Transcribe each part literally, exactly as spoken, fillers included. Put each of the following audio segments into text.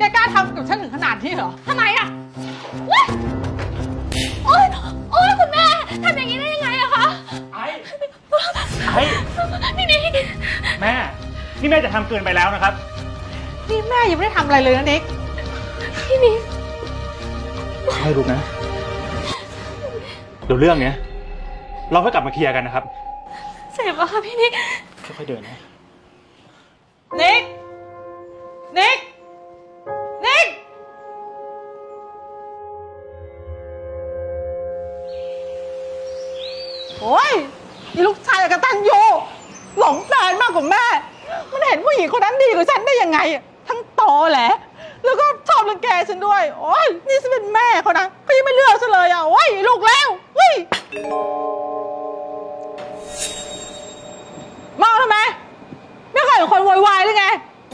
แกกล้าทำกับฉันถึงขนาดนี้เหรอทำไมอะโอ๊ยโอ๊ยโอ๊ยคุณแม่ทำอย่างนี้ได้ยังไงอะคะไอ้ไอ้พี่นิกแม่ นี่แม่จะทำเกินไปแล้วนะครับนี่แม่ยังไม่ได้ทำอะไรเลยนะนิกพี่นิกไม่รู้นะ เดี๋ยวเรื่องเนี้ยเราค่อยกลับมาเคลียร์กันนะครับเจ็บอะค่ะพี่นิกค่อยๆเดินนะนิก นิก นิก โอ้ยนี่ลูกชายกตัญญูหลงแฟนมากกว่าแม่ มันเห็นผู้หญิงคนนั้นดีกว่าฉันได้ยังไง ทั้งโตแหละ แล้วก็ชอบรังแกฉันด้วย โอ้ยนี่ฉันเป็นแม่เขานะเขายังไม่เลือกฉันเลยอ่ะ โอ้ยลูกแล้วเฮ้ยเมาทำไม ไม่เคยเห็นคนโวยวายหรือไง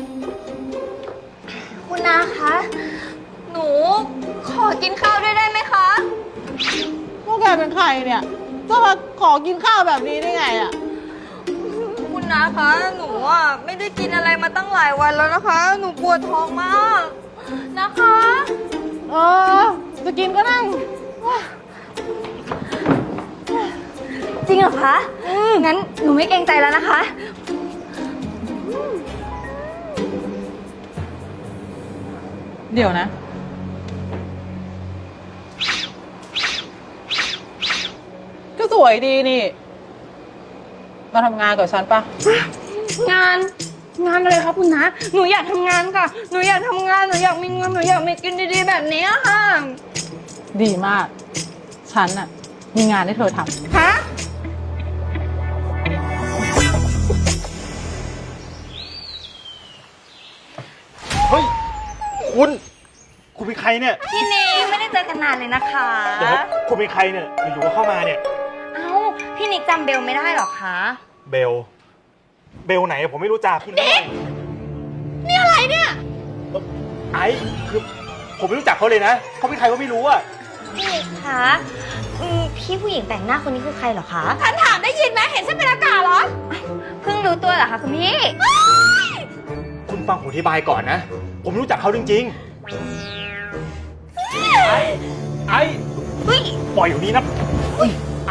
คุณนาคะ หนูขอกินข้าวด้วยได้ไหมคะพวกแกเป็นใครเนี่ยจะมาขอกินข้าวแบบนี้ได้ไงอ่ะคุณนาคะ หนูอ่ะไม่ได้กินอะไรมาตั้งหลายวันแล้วนะคะ หนูปวดท้องมากนะคะเออ จะกินก็นั่งจริงเหรอคะงั้นหนูไม่เกรงใจแล้วนะคะเดี๋ยวนะ ก็สวยดีนี่ มาทำงานกับฉันปะงานงานอะไรคะคุณนะหนูอยากทำงานค่ะ หนูอยากทำงาน หนูอยากมีเงิน หนูอยากมีกินดีๆแบบนี้ค่ะดีมาก ฉันน่ะ มีงานให้เธอทำฮะเฮ้ย คุณ คุณเป็นใครเนี่ยพี่เนงไม่ได้เจอกันนานเลยนะคะเดี๋ยวคุณเป็นใครเนี่ย อยู่ๆก็เข้ามาเนี่ยเอ้า พี่นิกจำเบลไม่ได้หรอคะเบล เบลไหนผมไม่รู้จักคุณเด็กนี่อะไรเนี่ยไอ้คือผมไม่รู้จักเขาเลยนะ เขาเป็นใครก็ไม่รู้อะพี่นิกคะอืมพี่ผู้หญิงแต่งหน้าคนนี้คือใครเหรอคะฉันถามได้ยินไหมเห็นฉันเป็นอากาศเหรอ เพิ่งรู้ตัวเหรอคะคุณพี่คุณฟังผมอธิบายก่อนนะ ผมรู้จักเขาจริงๆ ไอ้ ไอ้เฮ้ยปล่อยอยู่นี้นะไอ้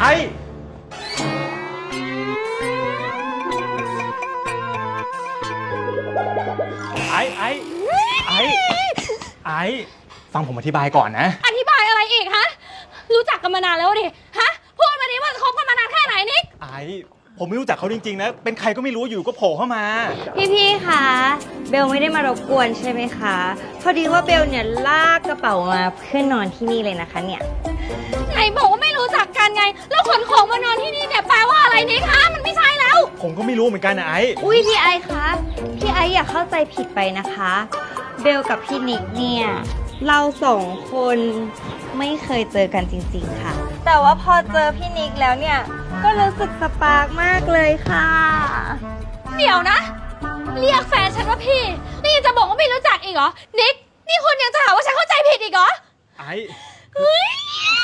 ไอ้ ไอ้ ไอ้ ไอ้ ฟังผมอธิบายก่อนนะอธิบายอะไรอีกฮะ รู้จักกันมานานแล้วดิ ฮะ พูดมาดิว่าคบกันมานานแค่ไหนนิกไอ้ ผมไม่รู้จักเขาจริงๆนะ เป็นใครก็ไม่รู้อยู่ก็โผล่เข้ามาพี่ๆ คะ เบลไม่ได้มารบกวนใช่ไหมคะ พอดีว่าเบลเนี่ยลากกระเป๋ามาเพื่อนอนที่นี่เลยนะคะเนี่ย ไหนบอกว่าไม่รู้จักกันไง แล้วขนของมานอนที่นี่เนี่ยแปลว่าอะไรนิกคะมันไม่ใช่แล้วผมก็ไม่รู้เหมือนกันนะไอ้อุ้ยพี่ไอคะ พี่ไออย่าเข้าใจผิดไปนะคะ เบลกับพี่นิกเนี่ย เราสองคนไม่เคยเจอกันจริงๆค่ะ แต่ว่าพอเจอพี่นิกแล้วเนี่ย ก็รู้สึกสปาร์กมากเลยค่ะ เดี๋ยวนะ เรียกแฟนฉันว่าพี่ นี่ยังจะบอกว่าไม่รู้จักอีกเหรอ นิก นี่คุณยังจะหาว่าฉันเข้าใจผิดอีกเหรอไอ้เฮ้ย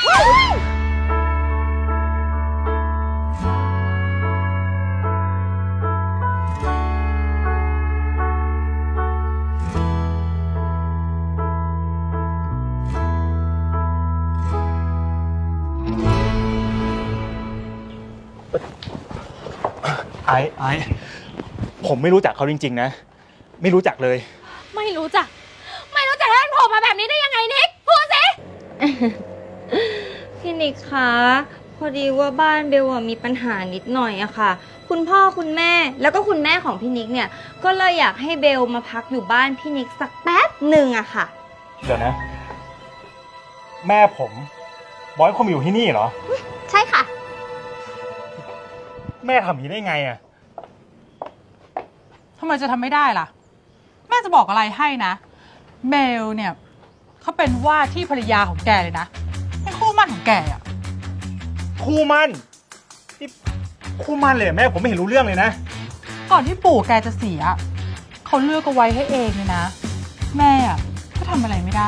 ไอ้ไอ้ผมไม่รู้จักเขาจริงๆนะ ไม่รู้จักเลยไม่รู้จัก ไม่รู้จักแล้วมันโผล่มาแบบนี้ได้ยังไงนิก พูดสิ พี่นิกคะ พอดีว่าบ้านเบลอะมีปัญหานิดหน่อยอะค่ะ คุณพ่อคุณแม่แล้วก็คุณแม่ของพี่นิกเนี่ย ก็เลยอยากให้เบลมาพักอยู่บ้านพี่นิกสักแป๊บหนึ่งอะค่ะเดี๋ยวนะ แม่ผมบอกให้ผมอยู่ที่นี่เหรอใช่ค่ะแม่ทำอย่างนี้ได้ไงอะทำไมจะทำไม่ได้ล่ะ แม่จะบอกอะไรให้นะ เบลเนี่ยเขาเป็นว่าที่ภรรยาของแกเลยนะเป็นคู่หมั่นของแกอ่ะคู่มั่นนี่คู่มั่นเลยเหรอแม่ผมไม่เห็นรู้เรื่องเลยนะก่อนที่ปู่แกจะเสีย เขาเลือกเอาไว้ให้เองเลยนะ แม่อะก็ทำอะไรไม่ได้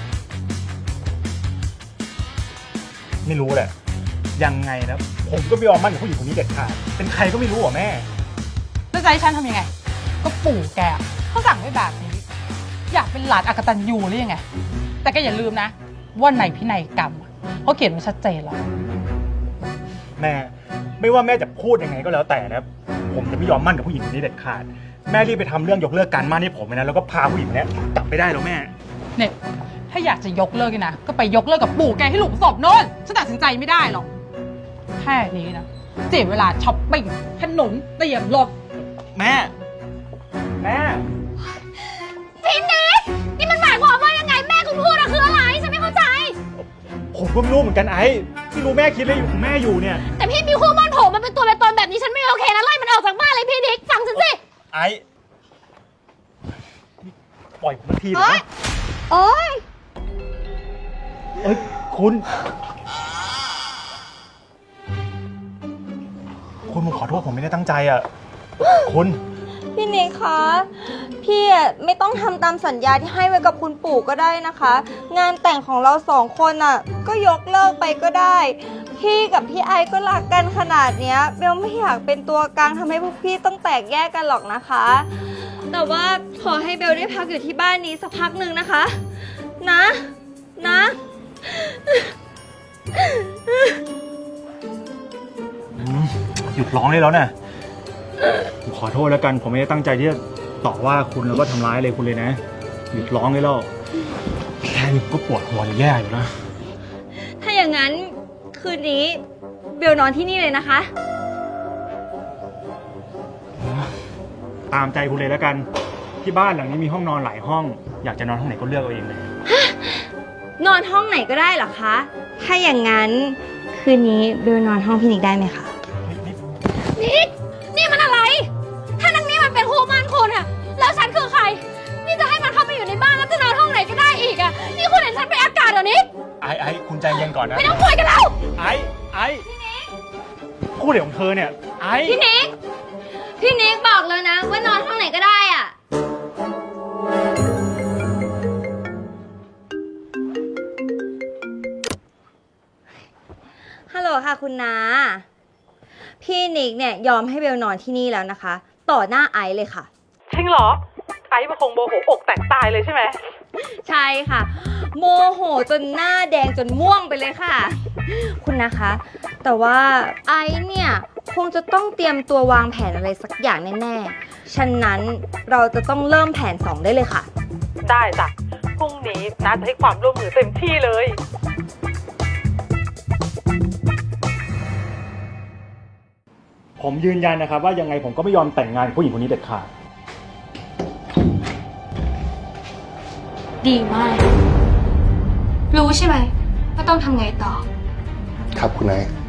ไม่รู้แหละ ยังไงนะ ผมก็ไม่ยอมมั่นกับผู้หญิงคนนี้เด็ดขาด เป็นใครก็ไม่รู้อ่ะแม่แล้วจะให้ฉันทำยังไง ก็ปู่แกเขาสั่งไว้แบบนี้อยากเป็นหลานอกตัญญูหรือยังไง แต่ก็อย่าลืมนะ ว่าในพินัยกรรมอะเขาเขียนไว้ชัดเจนแล้วแม่ไม่ว่าแม่จะพูดยังไงก็แล้วแต่นะผมจะไม่ยอมมั่นกับผู้หญิงคนนี้เด็ดขาดแม่รีบไปทำเรื่องยกเลิกการมั่นให้ผมเลยนะแล้วก็พาผู้หญิงคนนี้กลับไปได้แล้วแม่เนี่ยถ้าอยากจะยกเลิกนี่นะก็ไปยกเลิกกับปู่แกให้หลุมศพโน่นฉันตัดสินใจไม่ได้หรอกแค่นี้นะเสียเวลาช้อปปิ้งขนมเตรียมรถแม่ แม่พี่นิกนี่มันหมายความว่ายังไงแม่คุณพูดอะคืออะไรฉันไม่เข้าใจผมก็ไม่รู้เหมือนกันไอ้ที่รู้แม่คิดอะไรอยู่ของแม่อยู่เนี่ยแต่พี่มีคู่มั่นผมมันเป็นตัวเป็นตนแบบนี้ฉันไม่โอเคนะไล่มันออกจากบ้านเลยพี่นิกฟังฉันสิไอ้ปล่อยผมทีเถโอ๊อะยโอ๊ยเอ้ยคุณ คุณผมขอโทษผมไม่ได้ตั้งใจอ่ะคุณพี่นิกคะ พี่อะไม่ต้องทำตามสัญญาที่ให้ไว้กับคุณปู่ก็ได้นะคะ งานแต่งของเราสองคนอ่ะ ก็ยกเลิกไปก็ได้ พี่กับพี่ไอก็รักกันขนาดเนี้ยเบลไม่อยากเป็นตัวกลางทำให้พวกพี่ต้องแตกแยกกันหรอกนะคะ แต่ว่าขอให้เบลได้พักอยู่ที่บ้านนี้สักพักหนึ่งนะคะ นะ นะอืมหยุดร้องได้แล้วนะผมขอโทษแล้วกัน ผมไม่ได้ตั้งใจที่จะต่อว่าคุณแล้วก็ทำร้ายอะไรคุณเลยนะ หยุดร้องได้แล้วแค่นี้ก็ปวดหัวจะแย่อยู่แล้วถ้าอย่างนั้นคืนนี้เบลนอนที่นี่เลยนะคะตามใจคุณเลยแล้วกัน ที่บ้านหลังนี้มีห้องนอนหลายห้อง อยากจะนอนห้องไหนก็เลือกเอาเองเลยนอนห้องไหนก็ได้เหรอคะ ถ้าอย่างนั้นคืนนี้เบลนอนห้องพี่นิกได้ไหมคะนิกนี่มันอะไร ถ้านังนี่มันเป็นคู่มั่นคุณอะแล้วฉันคือใคร นี่จะให้มันเข้ามาอยู่ในบ้านแล้วจะนอนห้องไหนก็ได้อีกอะนี่คุณเห็นฉันเป็นอากาศเหรอนิกไอ้ไอ้คุณใจเย็นก่อนนะไม่ต้องคุยกันแล้วไอ้ไอ้คู่เดี๋ยวของเธอเนี่ย ไอ้พี่นิก พี่นิกบอกเลยนะว่านอนห้องไหนก็ได้อะฮัลโหลค่ะคุณนาพี่นิกเนี่ยยอมให้เบลนอนที่นี่แล้วนะคะ ต่อหน้าไอซ์เลยค่ะจริงเหรอ ไอ้มันคงโมโหอกแตกตายเลยใช่ไหมใช่ค่ะ โมโหจนหน้าแดงจนม่วงไปเลยค่ะ คุณนะคะ แต่ว่าไอซ์เนี่ยคงจะต้องเตรียมตัววางแผนอะไรสักอย่างแน่ๆ ฉะนั้นเราจะต้องเริ่มแผนสองได้เลยค่ะได้จ้ะพรุ่งนี้น้าจะให้ความร่วมมือเต็มที่เลยผมยืนยันนะครับว่ายังไงผมก็ไม่ยอมแต่งงานกับผู้หญิงคนนี้เด็ดขาดดีมาก รู้ใช่ไหมว่าต้องทำไงต่อครับคุณนาย